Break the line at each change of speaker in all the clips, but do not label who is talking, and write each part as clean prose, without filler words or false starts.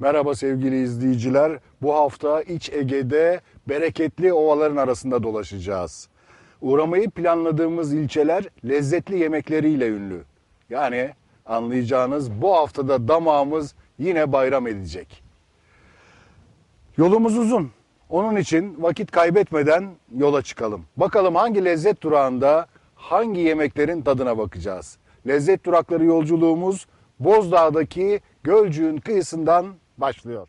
Merhaba sevgili izleyiciler. Bu hafta İç Ege'de bereketli ovaların arasında dolaşacağız. Uğramayı planladığımız ilçeler lezzetli yemekleriyle ünlü. Yani anlayacağınız bu haftada damağımız yine bayram edecek. Yolumuz uzun. Onun için vakit kaybetmeden yola çıkalım. Bakalım hangi lezzet durağında hangi yemeklerin tadına bakacağız. Lezzet durakları yolculuğumuz Bozdağ'daki Gölcük'ün kıyısından başlıyor.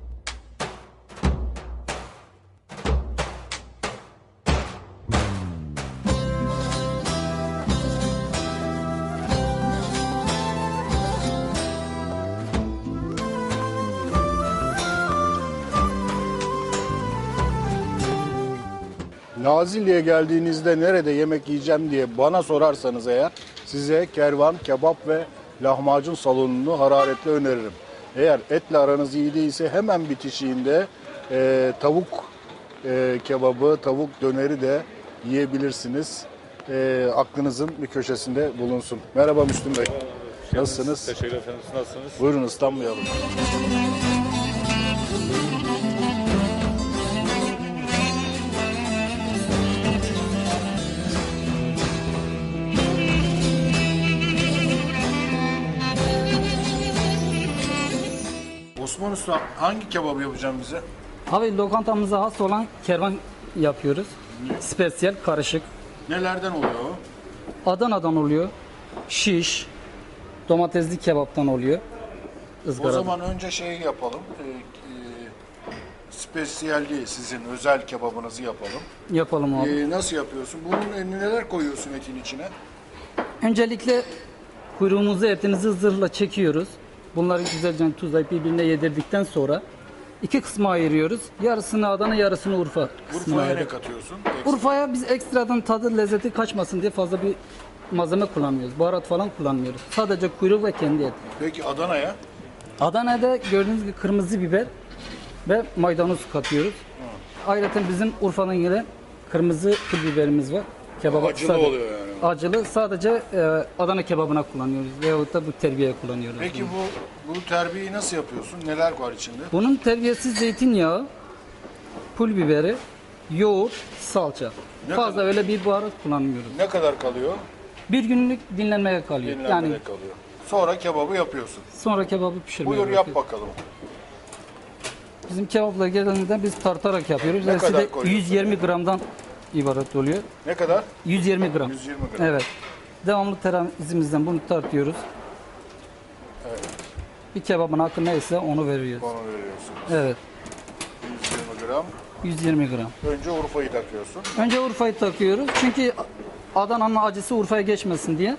Nazilli'ye geldiğinizde nerede yemek yiyeceğim diye bana sorarsanız eğer size kervan, kebap ve lahmacun salonunu hararetle öneririm. Eğer etle aranız iyi değilse hemen bitişiğinde tavuk kebabı, tavuk döneri de yiyebilirsiniz. Aklınızın bir köşesinde bulunsun. Merhaba Müslüm Bey. Nasılsınız?
Teşekkür ederim. Nasılsınız?
Buyurun ıslanmayalım. Osman Usta hangi kebabı yapacağım bize?
Abi lokantamıza has olan kervan yapıyoruz. Spesiyel karışık.
Nelerden oluyor o?
Adana'dan oluyor. Şiş. Domatesli kebaptan oluyor.
O
Izgarada.
zaman önce şeyi yapalım. Spesiyalli sizin özel kebabınızı yapalım.
Yapalım abi.
Nasıl yapıyorsun? Bunun neler koyuyorsun etin içine?
Öncelikle kuyruğumuzu etimizi zırhla çekiyoruz. Bunları güzelce tuzlayıp birbirine yedirdikten sonra iki kısma ayırıyoruz. Yarısını Adana, yarısını Urfa kısmına
Urfa'ya ne
ayırıyoruz.
katıyorsun?
Urfa'ya biz ekstradan tadı, lezzeti kaçmasın diye fazla bir malzeme kullanmıyoruz. Baharat falan kullanmıyoruz. Sadece kuyruk ve kendi et.
Peki Adana'ya?
Adana'da gördüğünüz gibi kırmızı biber ve maydanoz katıyoruz. Ayrıca bizim Urfa'dan gelen kırmızı pul biberimiz var. Kebaba
Acılı oluyor yani.
Acılı sadece Adana kebabına kullanıyoruz veyahut da bu terbiyeye kullanıyoruz.
Peki bu terbiyeyi nasıl yapıyorsun? Neler var içinde?
Bunun terbiyesi zeytinyağı, pul biberi, yoğurt, salça.
Ne
Fazla
kadar?
öyle bir baharat kullanmıyoruz.
Ne kadar kalıyor?
Bir günlük dinlenmeye kalıyor.
Dinlenmede
Yani
kalıyor. Sonra kebabı yapıyorsun.
sonra kebabı pişirmeye
Buyur yap
bırakıyoruz.
bakalım.
Bizim kebaplar genelde biz tartarak yapıyoruz.
Ne
Hepsi
kadar
de
koyuyorsun?
120 gramdan ibaret oluyor.
Ne kadar?
120 gram.
120 gram.
Evet. Devamlı terazimizden bunu tartıyoruz.
Evet.
Bir kebabın hakkı neyse onu veriyoruz.
Onu veriyorsun.
Evet.
120 gram.
120 gram.
Önce Urfa'yı takıyorsun.
Önce Urfa'yı takıyoruz. Çünkü Adana'nın acısı Urfa'ya geçmesin diye.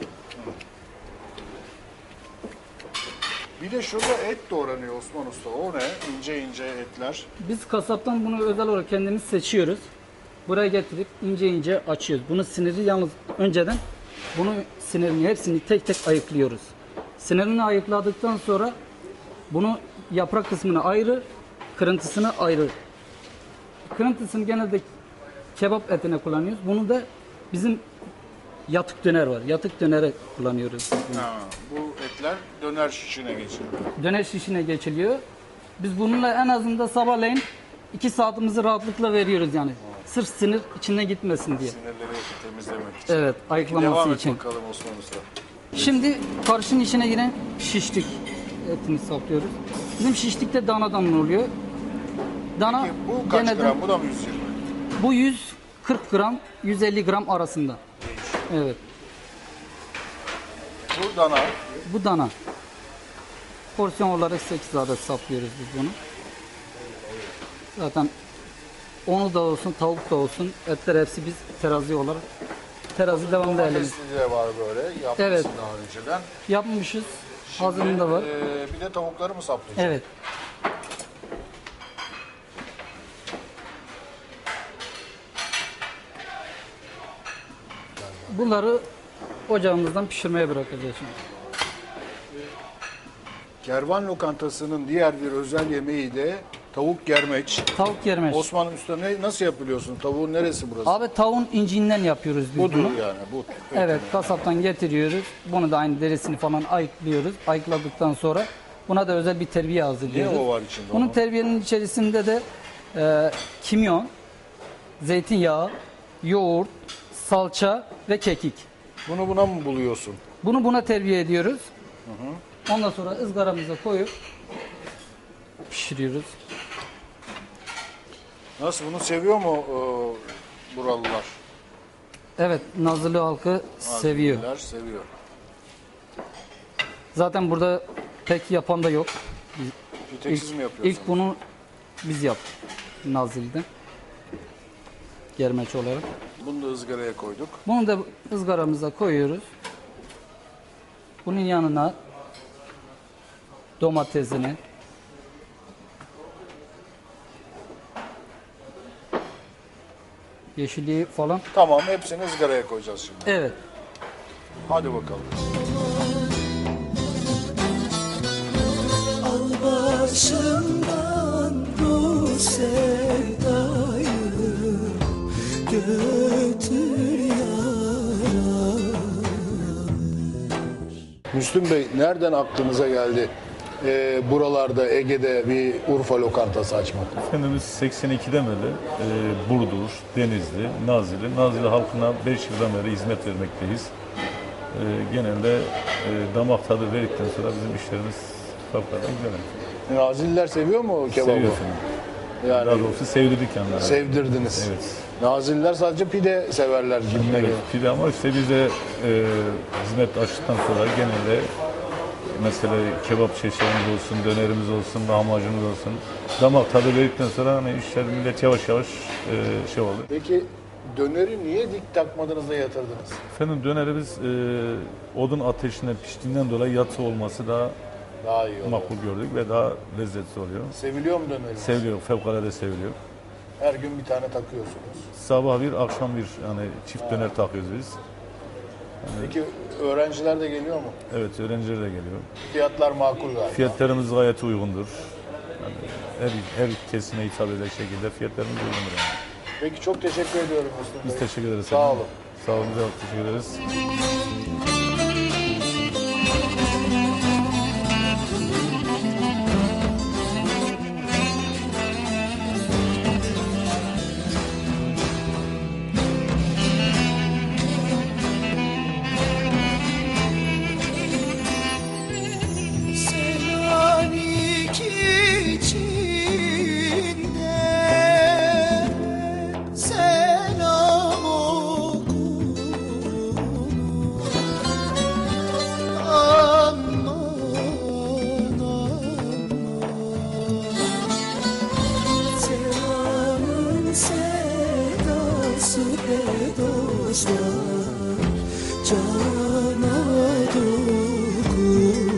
Bir de şurada et doğranıyor Osman Usta. O ne? İnce ince etler.
Biz kasaptan bunu özel olarak kendimiz seçiyoruz. Buraya getirip ince ince açıyoruz. Bunun siniri yalnız önceden bunu sinirini hepsini tek tek ayıklıyoruz. Sinirini ayıkladıktan sonra bunu yaprak kısmını ayrı, kırıntısını ayrı. Kırıntısını genelde kebap etine kullanıyoruz. Bunu da bizim yatık döner var. Yatık dönere kullanıyoruz.
Ha, bu etler döner şişine geçiyor.
Döner şişine geçiliyor. Biz bununla en azından sabahleyin 2 saatimizi rahatlıkla veriyoruz yani. Sırf sinir içine gitmesin diye.
Sinirleri temizlemek için.
Evet, ayıklaması
Devam et
için.
bakalım Osman Usta.
Şimdi karışın içine giren şişlik etini saplıyoruz. Bizim şişlikte danadan oluyor. Dana
Peki bu kaç
genelde
gram? Bu da mı 120?
bu 140 gram 150 gram arasında. Evet.
Bu dana.
Bu dana. Porsiyon olarak 8 adet saplıyoruz biz bunu. Zaten onu da olsun, tavuk da olsun, etler hepsi biz terazi olarak terazi devamlı elimiz.
Domatesli de var böyle. Yapmışsın
Evet.
daha önceden.
Yapmışız. Hazırında var.
Bir de tavukları mı saplayacaksın?
Evet. Bunları ocağımızdan pişirmeye bırakacağız şimdi.
Kervan lokantasının diğer bir özel yemeği de tavuk germeç.
Tavuk yermeş.
Osman Usta nasıl yapıyorsun? Tavuğun neresi burası?
Abi tavuğun inciğinden yapıyoruz biz
Budur
bunu.
yani. Bu.
Evet, kasaptan getiriyoruz. Bunu da aynı derisini falan ayıklıyoruz. Ayıkladıktan sonra Buna da özel bir terbiye
Ne
hazırlıyoruz.
o var içinde?
Bunun
onun?
terbiyenin içerisinde de kimyon, zeytinyağı, yoğurt, salça ve kekik.
Bunu buna mı buluyorsun?
Bunu buna terbiye ediyoruz. Ondan sonra ızgaramıza koyup pişiriyoruz.
Nasıl, bunu seviyor mu buralılar?
Evet, Nazilli halkı seviyor.
Nazilliler seviyor.
Zaten burada pek yapan da yok.
Bir tek siz mi yapıyorsunuz?
İlk bunu biz yaptık Nazilli'de. Germeç olarak.
Bunu da ızgaraya koyduk.
Bunu da ızgaramıza koyuyoruz. Bunun yanına domatesini, yeşilliği falan.
Tamam, hepsini ızgaraya koyacağız şimdi.
Evet.
Hadi bakalım.
Al başımdan bu sevdayı, götür yara.
Müslüm Bey, nereden aklınıza geldi buralarda Ege'de bir Urfa lokantası açmak?
Efendimiz 82'den beri Burdur, Denizli, Nazilli halkına 5 yıldan beri hizmet vermekteyiz. Genelde damak tadı verdikten sonra bizim işlerimiz fevkalade güzel.
Nazilliler seviyor mu kebabı?
Seviyor efendim.
Yani
Daha doğrusu sevdirdik kendilerini.
sevdirdiniz.
Evet.
Nazilliler sadece pide severler gibime
Evet,
geliyor.
pide ama işte bize hizmet açtıktan sonra genelde mesela kebap çeşitlerimiz olsun, dönerimiz olsun, lahmacunumuz olsun. Damak tadı verdikten sonra hani işler millet yavaş yavaş şey oldu.
Peki döneri niye dik takmadınız da yatırdınız?
Efendim dönerimiz odun ateşinden piştiğinden dolayı yatsı olması daha
Daha iyi olur.
makbul gördük ve daha lezzetli oluyor.
Seviliyor mu döneriniz?
Seviliyor, fevkalade seviliyor.
Her gün bir tane takıyorsunuz.
Sabah bir, akşam bir yani çift döner takıyoruz biz.
Peki öğrenciler de geliyor mu?
Evet, öğrenciler de geliyor.
Fiyatlar makul galiba.
Fiyatlarımız gayet uygundur. Yani her kesime hitap edecek şekilde fiyatlarımız uygundur yani.
Peki çok teşekkür ediyorum Müslüm
Biz
Bey.
teşekkür ederiz.
Sağ
efendim.
olun.
Sağ olun, çok teşekkür ederiz.
Selanik içinde selam okunur. Aman aman, selamın sedası be dostlar, cana dokunur.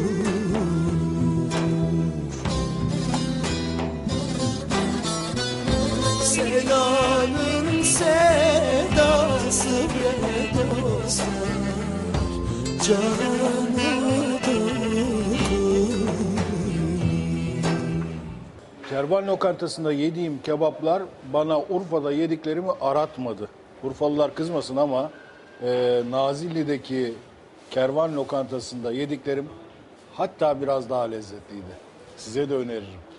Selanın sedası be dostlar, cana dokunur.
Kervan lokantasında yediğim kebaplar bana Urfa'da yediklerimi aratmadı. Urfalılar kızmasın ama Nazilli'deki kervan lokantasında yediklerim hatta biraz daha lezzetliydi. Size de öneririm.